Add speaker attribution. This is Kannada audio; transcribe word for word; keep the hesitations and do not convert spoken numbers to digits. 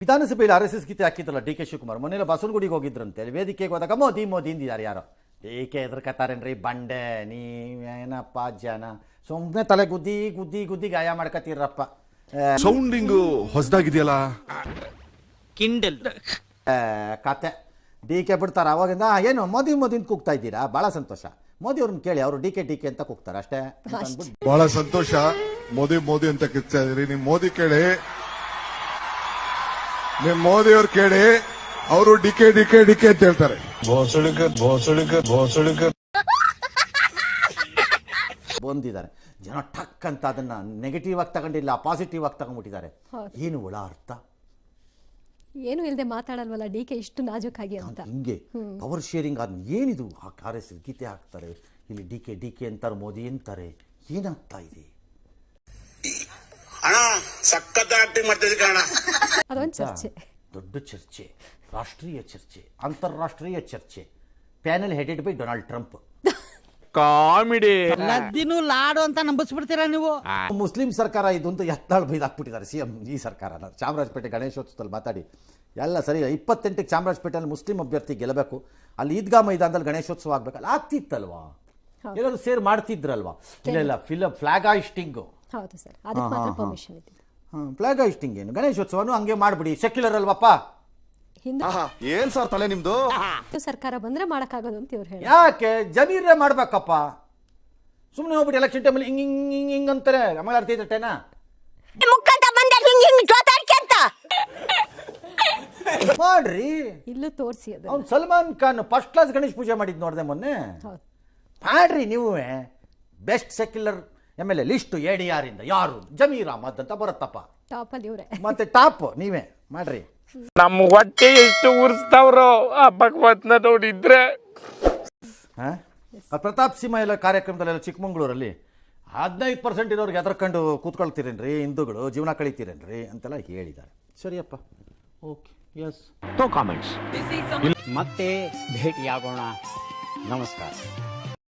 Speaker 1: ವಿಧಾನಸಭೆಯಲ್ಲಿ ಆರ್ ಎಸ್ ಎಸ್ ಗೀತೆ ಹಾಕಿದ್ರಲ್ಲ ಡಿ ಕೆ ಶಿವಕುಮಾರ್ ಮೊನ್ನೆಲ್ಲ ಬಸವನಗುಡಿಗೆ ಹೋಗಿದ್ರಂತೆ ವೇದಿಕೆಗೆ ಹೋದಾಗ ಮೋದಿ ಮೋದಿ ಇಂದಿದ್ದಾರೆ ಯಾರೋ ಡಿ ಕೆ ಎದ್ರಕತ್ತಾರೇನ್ರಿ ಬಂಡೆ ನೀವೇನಪ್ಪ ಜನ ಸುಮ್ಮನೆ ತಲೆ ಗುದ್ದಿ ಗುದ್ದಿ ಗುದ್ದಿ ಗಾಯ ಮಾಡ್ಕತ್ತೀರಪ್ಪ.
Speaker 2: ಸೌಂಡಿಂಗು ಹೊಸದಾಗಿದೆಯಲ್ಲ
Speaker 3: ಕಿಂಡಲ್
Speaker 1: ಕತೆ ಡಿ ಕೆ ಬಿಡ್ತಾರ ಅವಾಗಿಂದ ಏನು ಮೋದಿ ಮೋದಿ ಅಂತ ಕೂಗ್ತಾ ಇದ್ದೀರಾ ಭಾಳ ಸಂತೋಷ. ಮೋದಿ ಅವ್ರನ್ನ ಕೇಳಿ ಅವರು ಡಿ ಕೆ ಡಿ ಕೆ ಅಂತ ಕೂಗ್ತಾರೆ ಅಷ್ಟೇ.
Speaker 2: ಬಹಳ ಸಂತೋಷ ಮೋದಿ ಮೋದಿ ಅಂತ ಕಿರ್ತಾ ಇದ್ರಿ. ನಿಮ್ ಮೋದಿ ಕೇಳಿ ನಿಮ್ ಮೋದಿ ಅವ್ರು ಕೇಳಿ ಅವರು D K D K D K ಅಂತ ಹೇಳ್ತಾರೆ.
Speaker 1: ಬಂದಿದ್ದಾರೆ ಜನ ಠಕ್ ಅಂತ ಅದನ್ನ ನೆಗೆಟಿವ್ ಆಗಿ ತಗೊಂಡಿಲ್ಲ ಪಾಸಿಟಿವ್ ಆಗಿ ತಗೊಂಡ್ಬಿಟ್ಟಿದ್ದಾರೆ. ಏನು ಒಳ ಅರ್ಥ
Speaker 4: ಏನು ಇಲ್ಲದೆ ಮಾತಾಡಲ್ವಲ್ಲ ಡಿ ಕೆ ಇಷ್ಟು ನಾಜೂಕಾಗಿ ಅಂತ.
Speaker 1: ಹಿಂಗೆ ಪವರ್ ಶೇರಿಂಗ್ ಅದ್ ಏನಿದು ಆರ್ ಎಸ್ ಎಸ್ ಗೀತೆ ಹಾಕ್ತಾರೆ ಇಲ್ಲಿ ಡಿ ಕೆ ಡಿ ಕೆ ಅಂತಾರೆ ಮೋದಿ ಅಂತಾರೆ ಏನಾಗ್ತಾ ಇದೆ
Speaker 5: ಅಣ್ಣ ಸಖತ್ ಆಕ್ಟಿಂಗ್ ಮಾಡ್ತಿದ್ದೆ ಕಣ.
Speaker 4: ಅದೊಂದು ಚರ್ಚೆ,
Speaker 1: ದೊಡ್ಡ ಚರ್ಚೆ, ರಾಷ್ಟ್ರೀಯ ಚರ್ಚೆ, ಅಂತಾರಾಷ್ಟ್ರೀಯ ಚರ್ಚೆ. Panel headed by Donald Trump.
Speaker 3: Comedy
Speaker 6: ಲದ್ದಿನೂ ಲಾಡು ಅಂತ ನಂಬಿಸ್ಬಿಡ್ತೀರಾ ನೀವು.
Speaker 1: ಮುಸ್ಲಿಂ ಸರ್ಕಾರ ಇದು ಅಂತ ಎತ್ತಾಳು ಬೈದು ಹಾಕ್ಬಿಟ್ಟಿದ್ದಾರೆ ಸಿ ಎಂ ಈ ಸರ್ಕಾರನ. ಚಾಮರಾಜಪೇಟೆ ಗಣೇಶೋತ್ಸವದಲ್ಲಿ ಮಾತಾಡಿ ಎಲ್ಲ ಸರಿ ಇಪ್ಪತ್ತೆಂಟಕ್ಕೆ ಚಾಮರಾಜಪೇಟೆಯಲ್ಲಿ ಮುಸ್ಲಿಂ ಅಭ್ಯರ್ಥಿ ಗೆಲ್ಲಬೇಕು, ಅಲ್ಲಿ ಈದ್ಗಾ ಮೈದಾನದಲ್ಲಿ ಗಣೇಶೋತ್ಸವ ಆಗ್ಬೇಕಲ್ಲ ಆಗ್ತಿತ್ತಲ್ವಾ, ಎಲ್ಲರೂ ಸೇರ್ ಮಾಡ್ತಿದ್ರಲ್ವಾ. ಇಲ್ಲ ಇಲ್ಲ ಫಿಲಮ್ ಫ್ಲಾಗ್ ಹಾಯಿಸ್ಟಿಂಗ್.
Speaker 4: ಹೌದು ಸರ್, ಅದಕ್ಕೆ ಮಾತ್ರ ಪರ್ಮಿಷನ್ ಇದೆ.
Speaker 1: ಹಾಂ ಫ್ಲಾಗ್ ಹಾಯಿಸ್ಟಿಂಗ್ ಏನು ಗಣೇಶೋತ್ಸವನು ಹಂಗೆ ಮಾಡ್ಬಿಡಿ, ಸೆಕ್ಯುಲರ್ ಅಲ್ವಪ್ಪ.
Speaker 4: ಹಿಂದೆ
Speaker 2: ಏನ್ ಸರ್ ತಲೆ ನಿಮ್ದು?
Speaker 4: ಸರ್ಕಾರ ಬಂದ್ರೆ ಮಾಡಕ್ಕಾಗೋದು ಅಂತ ಇವ್ರು ಹೇಳಿ.
Speaker 1: ಯಾಕೆ ಜಮೀರೇ ಮಾಡ್ಬೇಕಪ್ಪ, ಸುಮ್ಮನೆ ಹೋಗ್ಬಿಟ್ಟು ಎಲೆಕ್ಷನ್ ಟೈಮಲ್ಲಿ ಹಿಂಗ್ ಹಿಂಗ್ ಹಿಂಗ್ ಹಿಂಗ್ ಅಂತಾರೆ. ಆಮೇಲೆ ಅರ್ಥ ಐತೇನಾ ಮಾಡ್ರಿ.
Speaker 4: ಇಲ್ಲೂ ತೋರಿಸಿ ಅದು.
Speaker 1: ಅವ್ನು ಸಲ್ಮಾನ್ ಖಾನ್ ಫಸ್ಟ್ ಕ್ಲಾಸ್ ಗಣೇಶ್ ಪೂಜೆ ಮಾಡಿದ್ ನೋಡಿದೆ ಮೊನ್ನೆ.
Speaker 4: ಹೌದು
Speaker 1: ಮಾಡ್ರಿ ನೀವು. Best secular M L A list A D R ಇಂದ ಯಾರು ಜಮೀರ್ ಅಹಮದ್ ಅಂತ ಬರುತ್ತಪ್ಪ.
Speaker 4: ಟಾಪ್ ಅಲ್ಲಿ ಇವರೇ
Speaker 1: ಮತ್ತೆ ಟಾಪ್ ನೀವೇ ಮಾಡ್ರಿ.
Speaker 3: ನಮ್ಮ ಹೊಟ್ಟೆ ಎಷ್ಟು ಉರ್ಸ್ತಾವ್ರೋ ಆ ಭಗವತ್ನ ನೋಡಿದ್ರೆ.
Speaker 1: ಪ್ರತಾಪ್ ಸಿಂಹ ಎಲ್ಲ ಕಾರ್ಯಕ್ರಮದಲ್ಲೆಲ್ಲ ಚಿಕ್ಕಮಂಗ್ಳೂರಲ್ಲಿ ಹದಿನೈದು ಪರ್ಸೆಂಟ್ ಇರೋರಿಗೆ ಎದರ್ಕೊಂಡು ಕೂತ್ಕೊಳ್ತೀರೇನ್ರಿ, ಹಿಂದೂಗಳು ಜೀವನ ಕಳೀತೀರೇನ್ರಿ ಅಂತೆಲ್ಲ ಹೇಳಿದ್ದಾರೆ. ಸರಿಯಪ್ಪ, ಓಕೆ, ಎಸ್.
Speaker 3: No comments.
Speaker 6: ಮತ್ತೆ ಭೇಟಿಯಾಗೋಣ. ನಮಸ್ಕಾರ.